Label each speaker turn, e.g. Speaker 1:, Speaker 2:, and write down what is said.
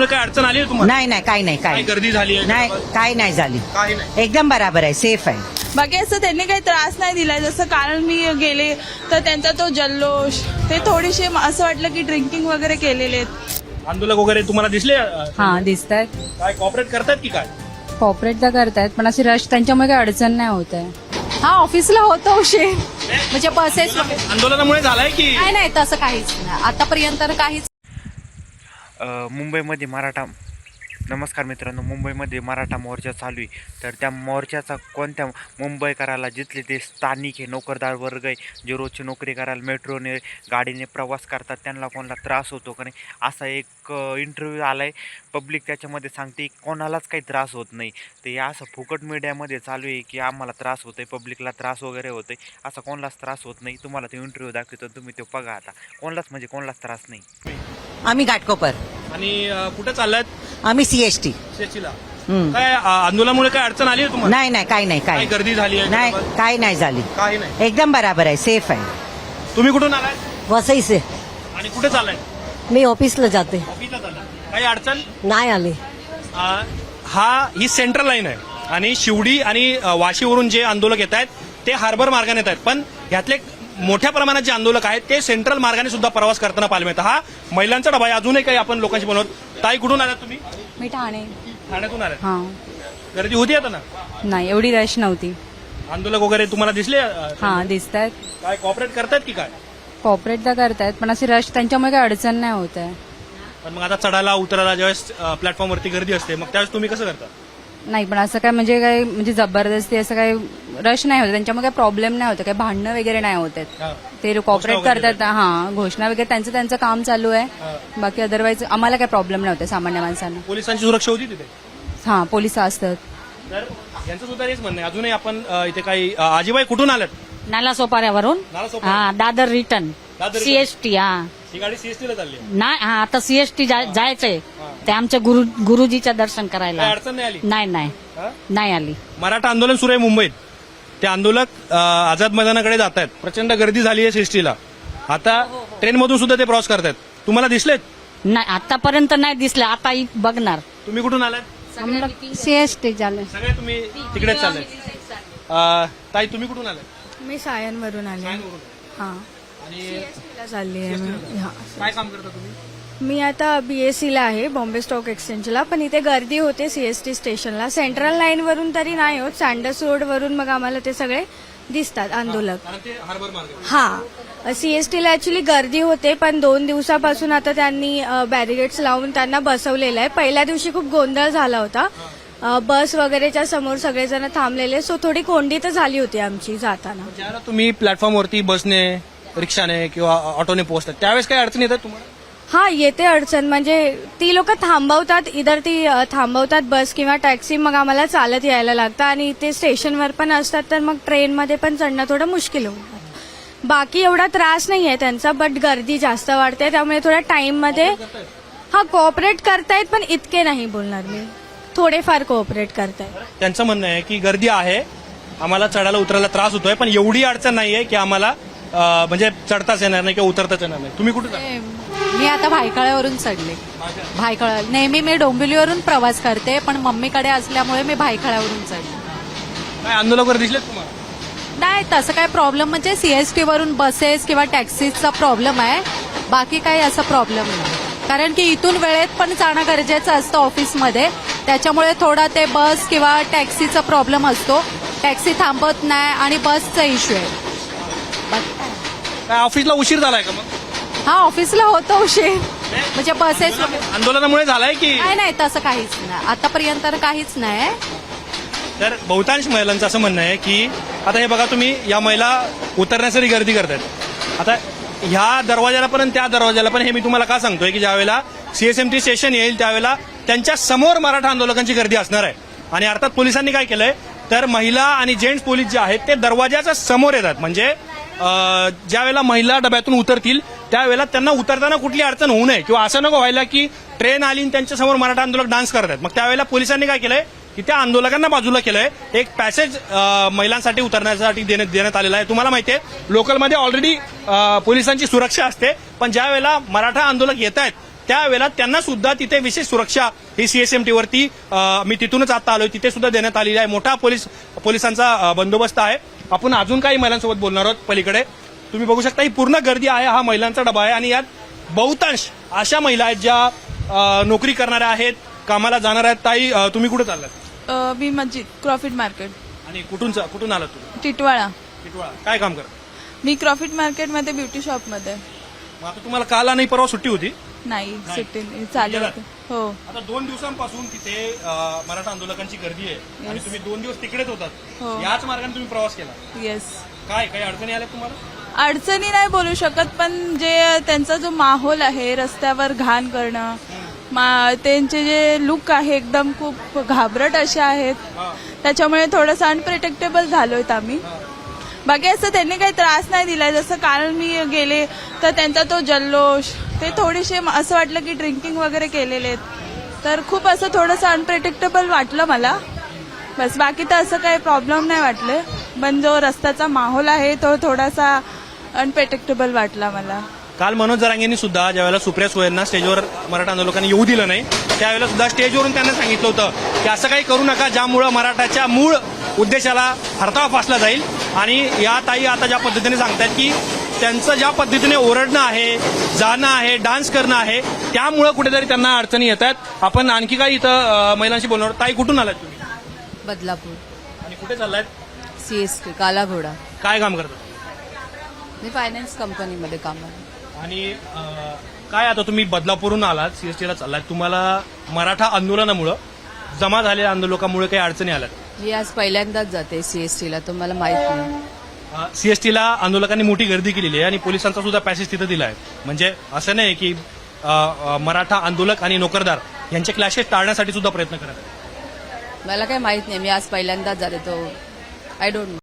Speaker 1: आंदोलनामुळे काय अडचण आली आहे तुम्हाला?
Speaker 2: नाही नाही काही नाही
Speaker 1: काय
Speaker 2: काही
Speaker 1: गर्दी झाली आहे?
Speaker 2: नाही काही नाही झाली
Speaker 1: काही नाही.
Speaker 2: एकदम बराबर आहे सेफ आहे
Speaker 3: बाकी असं त्यांनी काही त्रास नाही दिलाय. जसं कारण मी गेले तर त्यांचा तो जल्लोष ते थोडीशी असं वाटलं की ड्रिंकिंग वगैरे केलेले आहेत.
Speaker 1: आंदोलक वगैरे तुम्हाला दिसले?
Speaker 4: हा दिसत आहेत.
Speaker 1: काय कॉपरेट करतात की काय?
Speaker 4: कॉपरेट तर करतायत पण अशी रश त्यांच्यामुळे काही अडचण नाही होत आहे. हा ऑफिसला होतो उशीर म्हणजे बसेस वगैरे
Speaker 1: आंदोलनामुळे झालाय की
Speaker 4: नाही नाही तसं काहीच नाही आतापर्यंत तर काहीच.
Speaker 5: मुंबईमध्ये मराठा नमस्कार मित्रांनो, मुंबईमध्ये मराठा मोर्चा चालू आहे. तर त्या मोर्चाचा कोणत्या मुंबईकराला जिथले ते स्थानिक आहे, नोकरदार वर्ग आहे, जे रोजची नोकरी करायला मेट्रोने गाडीने प्रवास करतात, त्यांना कोणाला त्रास होतो का नाही असा एक इंटरव्ह्यू आला आहे. पब्लिक त्याच्यामध्ये सांगते कोणालाच काही त्रास होत नाही. तर या असं फुकट मीडियामध्ये चालू आहे की आम्हाला त्रास होतो आहे, पब्लिकला त्रास वगैरे होतो आहे. असा कोणालाच त्रास होत नाही. तुम्हाला तो इंटरव्ह्यू दाखवतो, तुम्ही तो बघा. आता कोणालाच म्हणजे कोणालाच त्रास नाही.
Speaker 2: आम्ही घाटकोपर
Speaker 1: आणि कुठे चाललात?
Speaker 2: आम्ही सीएसटी
Speaker 1: शेतीला. काय आंदोलनामुळे काय अडचण आली आहे तुम्हाला?
Speaker 2: नाही नाही काही नाही
Speaker 1: काय
Speaker 2: काही
Speaker 1: गर्दी झाली आहे?
Speaker 2: नाही काही नाही झाली
Speaker 1: काही नाही.
Speaker 2: एकदम बराबर आहे सेफ आहे
Speaker 1: तुम्ही कुठून आलाय
Speaker 6: वसई से
Speaker 1: आणि कुठे चाललाय?
Speaker 6: मी ऑफिसला जाते.
Speaker 1: ऑफिसला चाललाय. काही अडचण?
Speaker 6: नाही आले.
Speaker 1: ही सेंट्रल लाईन आहे आणि शिवडी आणि वाशीवरून जे आंदोलक येत आहेत ते हार्बर मार्गाने येत आहेत, पण ह्यातले मोठ्या प्रमाणात जे आंदोलक आहेत ते सेंट्रल मार्गाने सुद्धा प्रवास करताना पाहायला मिळतं. हा महिलांचा डबा आहे. अजूनही काही आपण लोकांशी बनवत. ताई कुठून आलात तुम्ही?
Speaker 4: मी ठाणे.
Speaker 1: ठाण्यातून आलात.
Speaker 4: हा
Speaker 1: गर्दी होती आता ना?
Speaker 4: नाही एवढी रश नव्हती.
Speaker 1: आंदोलक वगैरे तुम्हाला दिसले?
Speaker 4: हा दिसत आहेत.
Speaker 1: काय कॉपरेट करतात की काय?
Speaker 4: कॉपरेट तर करतायत पण अशी रश त्यांच्यामुळे काही अडचण नाही होत आहे.
Speaker 1: पण मग आता चढायला उतरायला ज्यावेळेस प्लॅटफॉर्मवरती गर्दी असते मग त्यावेळेस तुम्ही कसं करता?
Speaker 4: नाही पण असं काय म्हणजे जबरदस्ती असं काही रश नाही होत त्यांच्यामुळे काही प्रॉब्लेम नाही होत, काही भांडणं वगैरे नाही होत आहेत.
Speaker 1: हा.
Speaker 4: ते कॉपरेट
Speaker 1: घोषणा वगैरे
Speaker 4: करतात. हा घोषणा वगैरे त्यांचं काम चालू आहे. बाकी अदरवाईज आम्हाला काही प्रॉब्लेम नाही होते सामान्य माणसांना.
Speaker 1: पोलिसांची सुरक्षा होती तिथे?
Speaker 4: हा पोलिस असतात.
Speaker 1: तर यांचं सुद्धा हेच म्हणणं आहे. अजूनही आपण इथे काही आजीबाई कुठून आल्यात?
Speaker 7: नाला सोपाऱ्यावरून
Speaker 1: नालासोपारा.
Speaker 7: हा Dadar return
Speaker 1: Dadar return.
Speaker 7: CST. हा
Speaker 1: ही गाडी सीएसटीला चालली आहे.
Speaker 7: नाही हा आता सीएसटी जायचंय ते आमच्या गुरुजीच्या दर्शन करायला.
Speaker 1: काही अडचण नाही आली?
Speaker 7: नाही नाही
Speaker 1: हा?
Speaker 7: नाही आली.
Speaker 1: मराठा आंदोलन सुरू आहे मुंबईत. ते आंदोलक आझाद मैदानाकडे जात आहेत. प्रचंड गर्दी झाली आहे सीएसटीला. आता ट्रेनमधून सुद्धा ते क्रॉस करतायत. तुम्हाला दिसलेत?
Speaker 7: नाही आतापर्यंत नाही दिसलं. आता बघणार.
Speaker 1: तुम्ही कुठून आलात?
Speaker 6: सीएसटी झालं.
Speaker 1: सगळे तुम्ही तिकडेच चालले. ताई तुम्ही कुठून आलात?
Speaker 3: मी सायनवरून आले.
Speaker 1: सायनवरून.
Speaker 3: हा
Speaker 1: आणि
Speaker 3: चालली आहे मी. हा.
Speaker 1: काय काम करता तुम्ही?
Speaker 3: मी आता बीएससीला आहे बॉम्बे स्टॉक एक्सचेंजला. पण इथे गर्दी होते सीएसटी स्टेशनला. सेंट्रल लाईन वरून तरी नाही होत, सँडर्स रोड वरून मग आम्हाला ते सगळे दिसतात आंदोलक.
Speaker 1: कारण ते हार्बर मार्ग आहे.
Speaker 3: हा सीएसटीला ऍक्च्युली गर्दी होते पण 2 दिवसापासून आता त्यांनी बॅरिगेड्स लावून त्यांना बसवलेलं आहे. पहिल्या दिवशी खूप गोंधळ झाला होता. बस वगैरेच्या समोर सगळेजण थांबलेले, सो थोडी कोंडी तर झाली होती आमची जाताना.
Speaker 1: ज्यावेळेला तुम्ही प्लॅटफॉर्मवरती बसने, रिक्षाने किंवा ऑटोने पोहोचतात त्यावेळेस काय अडचण येतात तुम्हाला?
Speaker 3: हा येते अडचण. म्हणजे ती लोक थांबवतात, इधर ती थांबवतात बस किंवा टॅक्सी, मग आम्हाला चालत यायला लागतं. आणि ते स्टेशनवर पण असतात तर मग ट्रेनमध्ये पण चढणं थोडं मुश्किल होतं. बाकी एवढा त्रास नाही आहे त्यांचा, बट गर्दी जास्त वाढते त्यामुळे थोड्या टाइममध्ये हा कोऑपरेट करतायत पण इतके नाही बोलणार मी, थोडेफार कोऑपरेट करतायत.
Speaker 1: त्यांचं म्हणणं आहे की गर्दी आहे, आम्हाला चढायला उतरायला त्रास होतोय, पण एवढी अडचण नाहीये की आम्हाला म्हणजे चढताच येणार नाही किंवा उतरताच येणार नाही. तुम्ही कुठे जाता?
Speaker 4: मी आता भायखळ्यावरून चढले. भायखळा नेहमी मी डोंबिवलीवरून प्रवास करते पण मम्मीकडे असल्यामुळे मी भायखळ्यावरून चढले.
Speaker 1: काय आंदोलक वगैरे दिसलेत तुम्हाला?
Speaker 4: नाही तसं काय प्रॉब्लेम म्हणजे सीएसटी वरून बसेस किंवा टॅक्सीचा प्रॉब्लेम आहे. बाकी काही असा प्रॉब्लेम नाही, कारण की इथून वेळेत पण जाणं गरजेचं असतं ऑफिसमध्ये. त्याच्यामुळे थोडा ते बस किंवा टॅक्सीचा प्रॉब्लेम असतो. टॅक्सी थांबत नाही आणि बसचा इश्यू आहे.
Speaker 1: काय ऑफिसला उशीर झालाय का मग?
Speaker 4: हा ऑफिसला होतो उशीर म्हणजे बसेस
Speaker 1: आंदोलनामुळे झालाय की?
Speaker 4: नाही नाही तसं काहीच नाही आतापर्यंत तर काहीच नाही.
Speaker 1: तर बहुतांश महिलांचं असं म्हणणं आहे की आता हे बघा तुम्ही, या महिला उतरण्यासाठी गर्दी करतात. आता ह्या दरवाजाला पण त्या दरवाजाला पण, हे मी तुम्हाला का सांगतोय की ज्यावेळेला सीएसएमटी स्टेशन येईल त्यावेळेला त्यांच्या समोर मराठा आंदोलकांची गर्दी असणार आहे. आणि अर्थात पोलिसांनी काय केलंय तर महिला आणि जेंट्स पोलीस जे आहेत ते दरवाजाच्या समोर येतात. म्हणजे ज्या वेळेला महिला डब्यातून उतरतील त्यावेळेला त्यांना उतरताना कुठली अडचण होऊ नये किंवा असं नको व्हायला की ट्रेन आली आणि त्यांच्या समोर मराठा आंदोलक डान्स करतात. मग त्यावेळेला पोलिसांनी काय केलंय की त्या आंदोलकांना बाजूला केलंय. एक पॅसेज महिलांसाठी उतरण्यासाठी देण्यात आलेला आहे. तुम्हाला माहिती आहे लोकलमध्ये ऑलरेडी पोलिसांची सुरक्षा असते, पण ज्या वेळेला मराठा आंदोलक येत आहेत त्यावेळेला त्यांना सुद्धा तिथे विशेष सुरक्षा ही सीएसएमटी वरती मी तिथूनच आता आलोय तिथे सुद्धा देण्यात आलेली आहे. मोठा पोलिसांचा बंदोबस्त आहे. आपण अजून काही महिलांसोबत बोलणार आहोत पलीकडे. तुम्ही बघू शकता ही पूर्ण गर्दी आहे. हा महिलांचा डबा आहे आणि यात बहुतांश अशा महिला आहेत ज्या नोकरी करणाऱ्या आहेत, कामाला जाणार आहेत. ताई, तुम्ही कुठे चाललात?
Speaker 8: मी मस्जिद क्रॉफिट मार्केट
Speaker 1: आणि कुठून आलात तुम्ही?
Speaker 8: टिटवाळा.
Speaker 1: टिटवाळा. काय काम करता?
Speaker 8: मी क्रॉफिट मार्केटमध्ये ब्युटी शॉपमध्ये.
Speaker 1: मग आता तुम्हाला काल नाही परवा सुट्टी होती?
Speaker 8: नाही, सुट्टी चालू होते. हो.
Speaker 1: आता 2 दिवसांपासून तिथे मराठा आंदोलकांची गर्दी आहे आणि तुम्ही 2 दिवस तिकडेच होतात.
Speaker 8: हो.
Speaker 1: याच मार्गाने तुम्ही प्रवास केला.
Speaker 8: येस.
Speaker 1: काय काही अडचणी आल्या तुम्हाला?
Speaker 8: अडचणी नाही बोलू शकत, पण जे त्यांचा जो माहोल आहे, रस्त्यावर घाण करणं, त्यांचे जे लुक आहे एकदम खूप घाबरट असे आहेत, त्याच्यामुळे थोडंसं अनप्रिटेक्टेबल झालोय आम्ही. बाकी असं त्यांनी काही त्रास नाही दिलाय. जसं कारण मी गेले तर त्यांचा तो जल्लोष, ते थोडेसे असं वाटलं की ड्रिंकिंग वगैरे केलेले आहेत, तर खूप असं थोडंसं अनप्रिटेक्टेबल वाटलं मला. बस बाकी तर असं काही प्रॉब्लेम नाही वाटले, पण जो रस्त्याचा माहोल आहे तो थोडासा अनप्रिटेक्टेबल वाटला मला.
Speaker 1: काल मनोज जरांगेंनी सुद्धा ज्यावेळेला सुप्रिया सुळेंना स्टेजवर मराठा आंदोलकांनी येऊ दिलं नाही त्यावेळेला सुद्धा स्टेजवरून त्यांना सांगितलं होतं की असं काही करू नका ज्यामुळं मराठाच्या मूळ उद्देशाला हरताळ फासला जाईल. आणि या ताई आता ज्या पद्धतीने सांगतात की त्यांचं ज्या पद्धतीने ओरडणं आहे, जाणं आहे, डान्स करणं आहे, त्यामुळं कुठेतरी त्यांना अडचणी येतात. आपण आणखी काही इथं महिलांशी बोलणार आहोत. ताई, कुठून आलात तुम्ही?
Speaker 4: बदलापूर.
Speaker 1: आणि कुठे चाललायत?
Speaker 4: सीएसटी कालाघोडा.
Speaker 1: काय काम करतात?
Speaker 4: मी फायनान्स कंपनीमध्ये काम आहे.
Speaker 1: आणि काय आता तुम्ही बदलापूरहून आलात, सीएसटीला चाललात, तुम्हाला मराठा आंदोलनामुळं जमा झालेल्या आंदोलकामुळे काही अडचणी आल्यात?
Speaker 4: मी आज पहिल्यांदाच जाते सीएसटीला, तुम्हाला माहित नाही.
Speaker 1: सीएसटीला आंदोलकांनी मोठी गर्दी केलेली आहे आणि पोलिसांचा सुद्धा पॅसेज तिथं दिला आहे. म्हणजे असं नाही की मराठा आंदोलक आणि नोकरदार यांचे क्लॅशेस टाळण्यासाठी सुद्धा प्रयत्न करत आहेत.
Speaker 4: मला काही माहित नाही, मी आज पहिल्यांदाच जाते, तो आय डोंट नो.